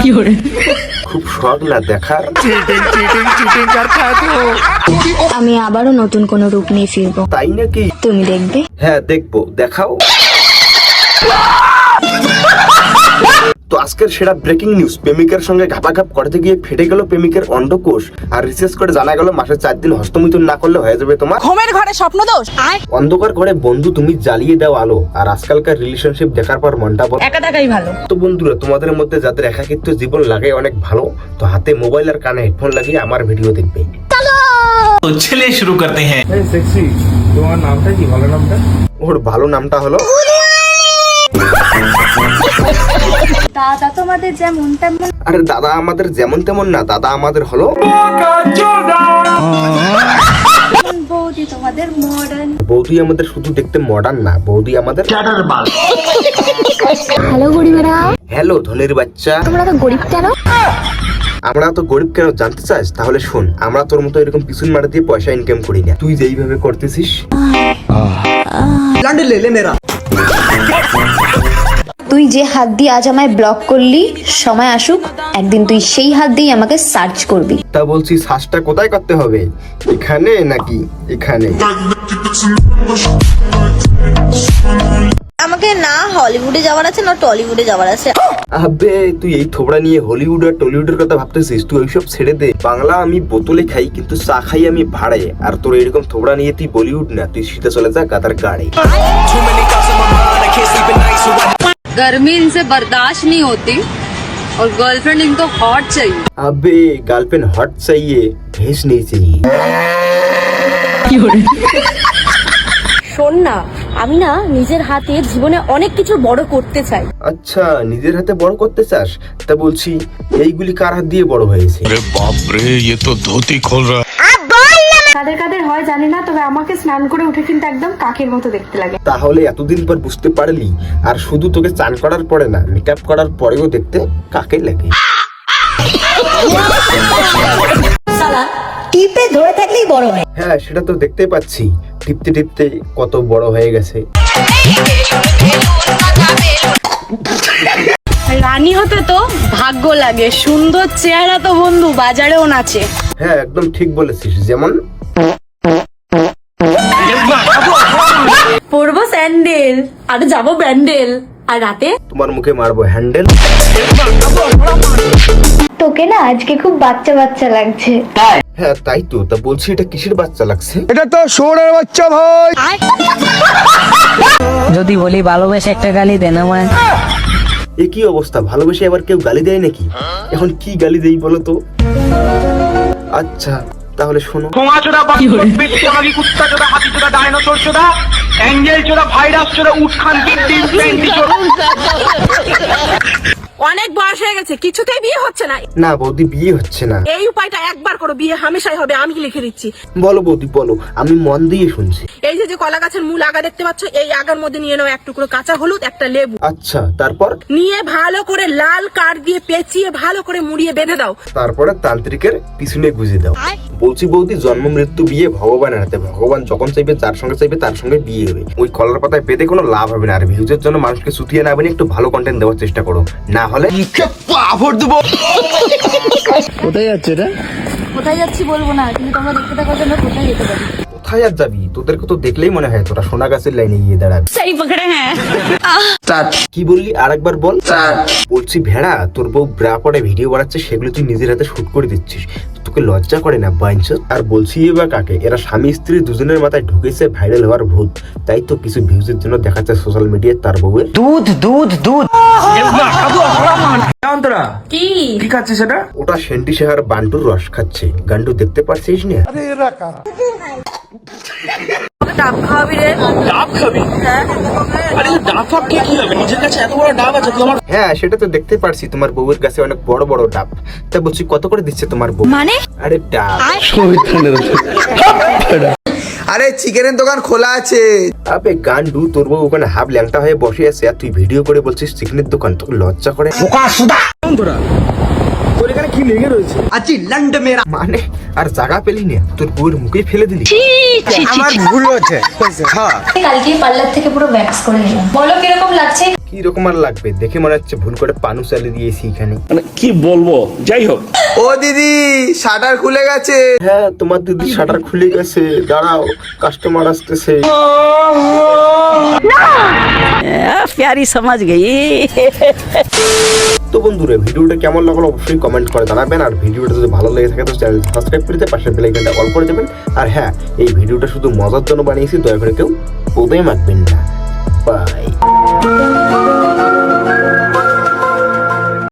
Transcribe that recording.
খুব শখ না দেখার? আমি আবারও নতুন কোন রূপ নিয়ে ফিরবো। তাই নাকি? তুমি দেখবে। হ্যাঁ দেখবো, দেখাও। তো আজকের সেরা ব্রেকিং নিউজ, প্রেমিকের সঙ্গে ঘাপাঘাপ করতে গিয়ে ফেটে গেল প্রেমিকের অন্ডকোষ। আর রিসার্চ করে জানা গেল মাসে 4 দিন হস্তমিথুন না করলে হয়ে যাবে তোমার ঘুমের ঘরে স্বপ্নদোষ। অন্ধকার ঘরে বন্ধু তুমি জ্বালিয়ে দাও আলো। আর আজকালকার রিলেশনশিপ দেখার পর মনটা বড় একা থাকাই ভালো। তো বন্ধুরা, তোমাদের মধ্যে যাদের একাকিত্ব জীবন লাগে অনেক ভালো, তো হাতে মোবাইল আর কানে হেডফোন লাগিয়ে আমার ভিডিও দেখবে। তো চলিए शुरू करते हैं। সেক্সি, তোমার নামটা কি? ভালো নামটা? ওর ভালো নামটা হলো দাদা তোমাদের যেমন তেমন। আরে দাদা আমাদের যেমন তেমন না, দাদা আমাদের হলো বৌদি তোমাদের মডার্ন। বৌদি আমাদের শুধু দেখতে মডার্ন না, বৌদি আমাদের হ্যালো গরিবেরা। হ্যালো ধনির বাচ্চা। তোমরা তো গরিব কেন? আমরা তো গরিব কেন জানতে চাস? তাহলে শোন, আমরা তোর মতো এরকম পিছন মারা দিয়ে পয়সা ইনকাম করি না। তুই যেইভাবে করতেছিস, তুই যে হাত দিয়ে আজ আমায় ব্লক করলি, সময় আসুক একদিন তুই সেই হাত দিয়ে আমাকে সার্চ করবি। তা বলছি সার্চটা কোথায় করতে হবে? এখানে নাকি এখানে? আমাকে না হলিউডে যাওয়ার আছে না টলিউডে যাওয়ার আছে। আবে তুই এই থোবড়া নিয়ে হলিউড আর টলিউডের কথা ভাবতেছিস? তুই ওইসব ছেড়ে দে। বাংলা আমি বোতলে খাই, কিন্তু চা খাই আমি ভাড়ায়। আর তোর এরকম থোবড়া নিয়ে তুই বলিউড না, তুই সিধা চলে যা গাদার গাড়ি। गर्मी इनसे बर्दाश्त नहीं होती और गर्लफ्रेंड इनको हॉट चाहिए। अबे गर्लफ्रेंड हॉट चाहिए, भेज नहीं चाहिए। শোন না, আমি না নিজের হাতে জীবনে অনেক কিছু বড় করতে চাই। আচ্ছা, নিজের হাতে বড় করতে চাস? তা বলছি এইগুলি কার হাত দিয়ে বড় হয়েছে? अरे बाप रे, ये तो धोती खोल रहा। কাদের কাদের হয় জানি না, তবে আমাকে স্নান করে উঠে কিন্তু একদম কাকের মতো দেখতে লাগে। তাহলে এতদিন পর বুঝতে পারলি? আর শুধু তোকে চান করার পরে না, মেকআপ করার পরেও দেখতে কাকে লাগে। টিপে ধরে থাকলেই বড় হয়। হ্যাঁ সেটা তো দেখতে পাচ্ছি, টিপতে টিপতে কত বড় হয়ে গেছে। রানী হতে তো ভাগ্য লাগে, সুন্দর চেহারা তো বন্ধু বাজারেও নাচে। হ্যাঁ একদম ঠিক বলেছিস। যেমন পরবো স্যান্ডেল আর যাবো ব্যান্ডেল, আর রাতে তোমার মুখে মারবো হ্যান্ডেল। তোকে না আজকে খুব বাচ্চা বাচ্চা লাগছে। হ্যাঁ তাই তো। তা বলছি এটা কিসের বাচ্চা লাগছে? এটা তো শুয়োরের বাচ্চা ভাই। যদি বলি ভালোবেসে একটা গালি দেন আমায়। এ কি অবস্থা? ভালোবেসে আবার কেউ গালি দেয় নাকি? এখন কি গালি দেই বলো তো? আচ্ছা তাহলে শোনো। অনেক বয়স হয়ে গেছে, কিছুতেই বিয়ে হচ্ছে না। না বৌদি, বিয়ে হচ্ছে না। এই উপায়টা একবার করো, বিয়ে হামেশাই হবে। আমি লিখে দিচ্ছি। বলো বৌদি বলো, আমি মন দিয়ে শুনছি। এই যে কলা গাছের মূল আগা দেখতে পাচ্ছ, এই আগার মধ্যে নিয়ে নাও এক টুকরো কাঁচা হলুদ, একটা লেবু। আচ্ছা তারপর? নিয়ে ভালো করে লাল কাঠ দিয়ে পেঁচিয়ে ভালো করে মুড়িয়ে বেঁধে দাও। তারপরে তান্ত্রিকের পিছনে গুজে দাও। বলছি বৌদি, জন্ম মৃত্যু বিয়ে ভগবানের হাতে। ভগবান যখন চাইবে, যার সঙ্গে চাইবে তার সঙ্গে বিয়ে হবে। ওই কলার পাতায় পেতে কোনো লাভ হবে না। আর ভিউজের জন্য মানুষকে সুতিয়ে না বানিয়ে একটু ভালো কন্টেন্ট দেওয়ার চেষ্টা করো, না হলে কোথায় যাচ্ছে এটা? কোথায় যাচ্ছি বলবো না, কিন্তু তোমরা দেখতে থাকার জন্য কোথায় যেতে পারি। কোথায় আর যাবি? তোদেরকে তো দেখলেই মনে হয় তোরা সোনা গাছের লাইনে গিয়ে দাঁড়াবি। সেই পকড়ে হ্যাঁ। কি বললি? আরেকবার বল। বলছি ভেড়া, তোর বউ ব্রা পরে ভিডিও বানাচ্ছে, সেগুলো তুই নিজের হাতে শুট করে দিচ্ছিস। তোকে লজ্জা করে না বাইনচোদ? আর বলছি এবার কাকে? এরা স্বামী স্ত্রী দুজনের মাথায় ঢুকেছে ভাইরাল হওয়ার ভূত। তাই তো কিছু ভিউজের জন্য দেখাচ্ছে সোশ্যাল মিডিয়ায় তার বউয়ের দুধ দুধ দুধ। কি কি খাচ্ছে সেটা? ওটা সেন্টি শেহার বান্টুর রস খাচ্ছে। গান্ডু দেখতে পারছিস না? ডাব খাওয়াবি রে? डाब खाबी? अरे डाब फाब কে কি হবে? নিজের কাছে এত বড় ডাব আছে তোমার? হ্যাঁ সেটা তো দেখতে পারছি, তোমার বউয়ের কাছে অনেক বড় বড় ডাব। তা বলছি কত করে দিচ্ছে তোমার বউ? মানে? আরে ডাব। আরে চিকেনের দোকান খোলা আছে। আবে গান্ডু, তোর বউ ওখানে হাফ ল্যাংটা হয়ে বসে আছে আর তুই ভিডিও করে বলছিস চিকেনের দোকান। তোকে লজ্জা করে? তোর এখানে কি লেগে রয়েছে আছি লন্ড মেরা মানে আর জায়গা পেলি না, তোর বউয়ের মুখে ফেলে দিলি। আমার ভুল হচ্ছে হ্যাঁ কালকে পার্লার থেকে পুরো ভ্যাক্স করে নিলাম, বলো কিরকম লাগছে? কি রকম আর লাগবে, দেখে মনে হচ্ছে ভুল করে পানু চালিয়ে দিয়েছি এখানে। মানে কি বলবো, যাই হোক। ও দিদি শাটার খুলে গেছে। হ্যাঁ তোমার দিদি শাটার খুলে গেছে, দাঁড়াও কাস্টমার আসতেছে। प्यारी समझ गई। তো বন্ধুরা ভিডিওটা কেমন লাগলো অবশ্যই কমেন্ট করে জানাবেন, আর ভিডিওটা যদি ভালো লেগে থাকে তো চ্যানেল সাবস্ক্রাইব করে দিয়ে পাশের বেল আইকনটা অল করে দেবেন। আর হ্যাঁ, এই ভিডিওটা শুধু মজার জন্য বানিয়েছি, দয়া করে কেউ বোধহয় মাখবেন না। বাই।